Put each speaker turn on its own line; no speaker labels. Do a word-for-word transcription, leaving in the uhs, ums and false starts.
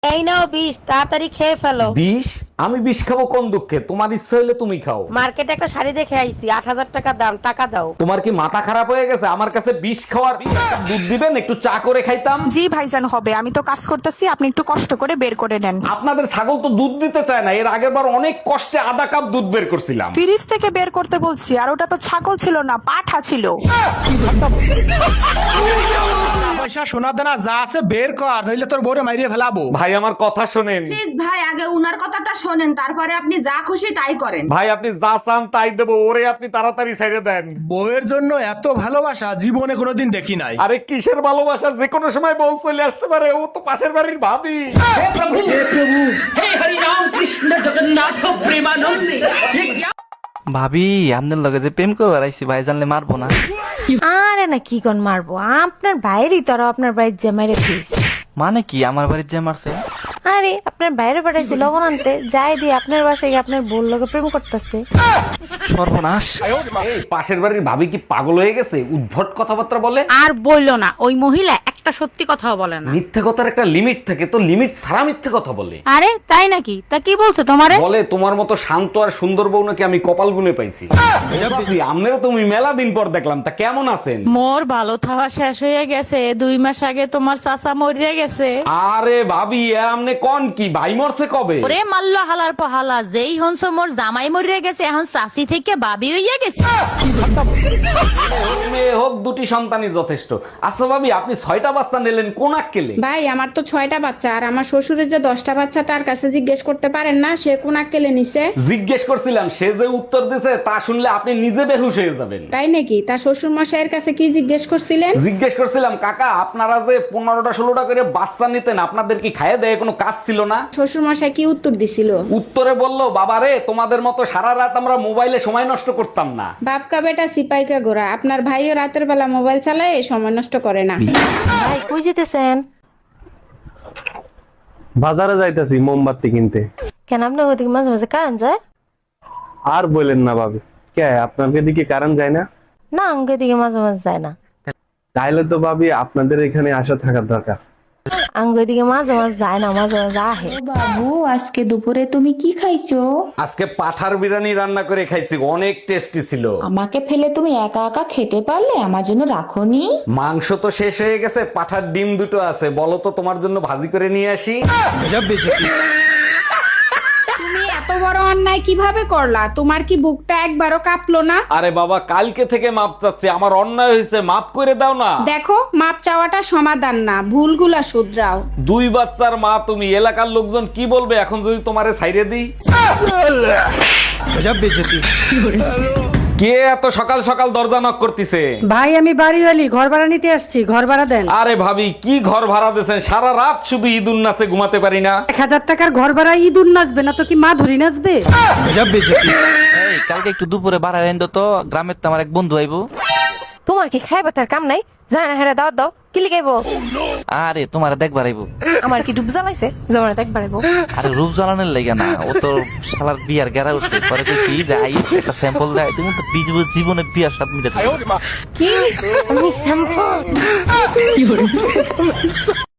এই নাও বিষ, তাড়াতাড়ি খেয়ে ফেলো।
বিষ? আমি বিষ খাবো কোন দুঃখে? তোমার ইচ্ছা হইলে তুমি খাও।
মার্কেটে একটা শাড়ি দেখে আইছি, আট হাজার টাকা দাম, টাকা দাও।
তোমার কি মাথা খারাপ হয়ে গেছে? আমার কাছে বিষ খাওয়ার দুধ দিবেন, একটু চা করে খাইতাম।
জি ভাইজান হবে, আমি তো কাজ করতেছি, আপনি একটু কষ্ট করে বের করে নেন।
আপনাদের ছাগল তো দুধ দিতে চায় না। এর আগের বার অনেক কষ্টে আধা কাপ দুধ বের করছিলাম।
ফ্রিজ থেকে বের করতে বলছি, আর ওটা তো ছাগল ছিল না, পাঠা ছিল।
পয়সা সোনা দানা যা আছে বের কর, নইলে তোর বউরে মাইরিয়ে ফেলাবো।
ভাই আমার কথা শোনেন।
প্লিজ ভাই, আগে উনার কথাটা শোনেন, তারপরে আপনি যা খুশি তাই করেন।
ভাই আপনি যা চান তাই দেবো, ওরে আপনি তাড়াতাড়ি ছেড়ে দেন।
বউয়ের জন্য এত ভালোবাসা জীবনে কোনোদিন দেখি নাই।
আরে কিসের ভালোবাসা? যে কোনো সময় বউ চলে আসতে পারে, ও তো পাশের বাড়ির ভাবি।
ভাবি আপনার লগে যে প্রেম করে বেড়াইছি ভাই জানলে মারবো না?
আরে না, কি কোন মারবো? আপনার বাইরে তোরা আপনার বাড়ির জামাইরে দিস।
মানে কি আমার বাড়ির যে মারছে?
আরে আপনার বাইরে পাঠাইছি লবণ আনতে, যাই দিয়ে আপনার বাসায় গিয়ে আপনার বোন লোকে প্রেম করতেছে।
সর্বনাশ।
এই পাশের বাড়ির ভাবি কি পাগল হয়ে গেছে? উদ্ভট কথাবার্তা বলে।
আর বললো না, ওই মহিলা একটা সত্যি কথাও বলে না।
মিথ্যে কথার একটা লিমিট থাকে, তো লিমিট ছাড়া মিথ্যে কথা বলে।
আরে তাই নাকি? তা কি বলছে তোমারে?
বলে তোমার মতো শান্ত আর সুন্দর বউ নাকি আমি কপাল গুনে পাইছি। আমনেরও তুমি মেলা দিন পর দেখলাম, তা কেমন আছেন?
মোর ভালো থাওয়া শেষ হয়ে গেছে, দুই মাস আগে তোমার চাচা মরিয়া গেছে।
আরে ভাবি এ আমনে কোন কি? ভাই মরছে কবে?
ওরে মাল্ল হালার পহালা, যেই হনস মোর জামাই মরিয়া গেছে, এখন চাচি থেকে বাবি হইয়া গেছে।
মেয়ে হোক দুটি সন্তানই যথেষ্ট। আচ্ছা ভাবি, আপনি ছয়টা বাচ্চা নিলেন কোন আক্কেলে?
ভাই আমার তো ছয়টা বাচ্চা, আর আমার শ্বশুরের যে দশটা বাচ্চা, তার কাছে জিজ্ঞেস করতে পারেন না সে কোন আক্কেলে নিছে?
জিজ্ঞেস করছিলাম, সে যে উত্তর দিছে তা শুনলে আপনি নিজে বেহুশ হয়ে যাবেন।
তাই নাকি? তার শ্বশুর মশাইয়ের কাছে কি জিজ্ঞেস করছিলেন?
জিজ্ঞেস করছিলাম, কাকা আপনারা যে পনেরোটা ষোলোটা করে বাচ্চা নিতেন, আপনাদের কি খাইয়ে দেয় কোনো কাজ ছিল না?
শ্বশুর মশাই কি উত্তর দিছিল?
উত্তরে বললো, বাবারে তোমাদের মতো সারা রাত আমরা মোবাইলে সময় নষ্ট করতাম না।
বাপকা বেটা সিপাইকা গোরা, আপনার ভাইও রাতের বেলা মোবাইল চালায়, সময় নষ্ট করে না।
ভাই কই যেতেছেন?
বাজারে যাইতাছি মোমবাতি কিনতে।
কেন আপনার ওদিকে মাঝে মাঝে কারেন্ট যায়?
আর বলেন না ভাবি, কে আপনাদের দিকে কারেন্ট যায় না?
না, আঙ্গে দিকে মাঝে মাঝে যায় না।
তাইলে তো ভাবি আপনাদের এখানে আসা থাকার দরকার।
আঙ্গে দিকে মাঝে মাঝে যায় না, মাঝে মাঝে আহে।
বাবু আজকে দুপুরে তুমি কি খাইছো?
আজকে পাঠার বিরিয়ানি রান্না করে খাইছি, অনেক টেস্টি ছিল।
আমাকে ফেলে তুমি একা একা খেতে পারলে, আমার জন্য রাখোনি?
মাংস তো শেষ হয়ে গেছে, পাঠার ডিম দুটো আছে, বলো তো তোমার জন্য ভাজি করে নিয়ে আসি।
তুমি এত বড় অন্যায় কিভাবে করলা? তোমার কি বুকটা একবারও কাঁপলো না?
আরে বাবা, কালকে থেকে মাপ চাচ্ছি, আমার অন্যায় হয়েছে, মাপ করে দাও না।
দেখো, মাপ চাওয়াটা সমাধান না, ভুলগুলা শুধরাও।
দুই বাচ্চার মা তুমি, এলাকার লোকজন কি বলবে এখন যদি তোমারে ছাইরে দিই? কে এত সকাল সকাল দরজা নক করতেছে?
ভাই আমি বাড়িওয়ালি, ঘর ভাড়া নিতে আসছি, ঘর ভাড়া দেন।
আরে ভাবি, কি ঘর ভাড়া দিয়েছেন? সারা রাত শুধু ঈদুন নাচে ঘুমাতে পারি না।
এক হাজার টাকার ঘর ভাড়া ইঁদুর নাচবে না তো কি মা ধরি নাচবে?
এই কালকে একটু দুপুরে বাড়ায় এনে তো, গ্রামের তো আমার এক বন্ধু আইবো।
তোমার কি খাইবে তার কাম নাই? জানা না, হেরা দাও দাও, কি লিখাইবো?
আরে তোমার দেখবার আইবো।
আমার কি ডুব জ্বালাইছে? জমানে দেখবার আইবো।
আরে রূপ জ্বালানোর লেগে না, ও তো শালার বিয়ার গেরা উঠছে, পরে কইছি যে আইস একটা স্যাম্পল দেয়, তুমি তো বিজ- জীবনে বিয়ার স্বাদ মিটাতে।
কি? আমি শ্যাম্পু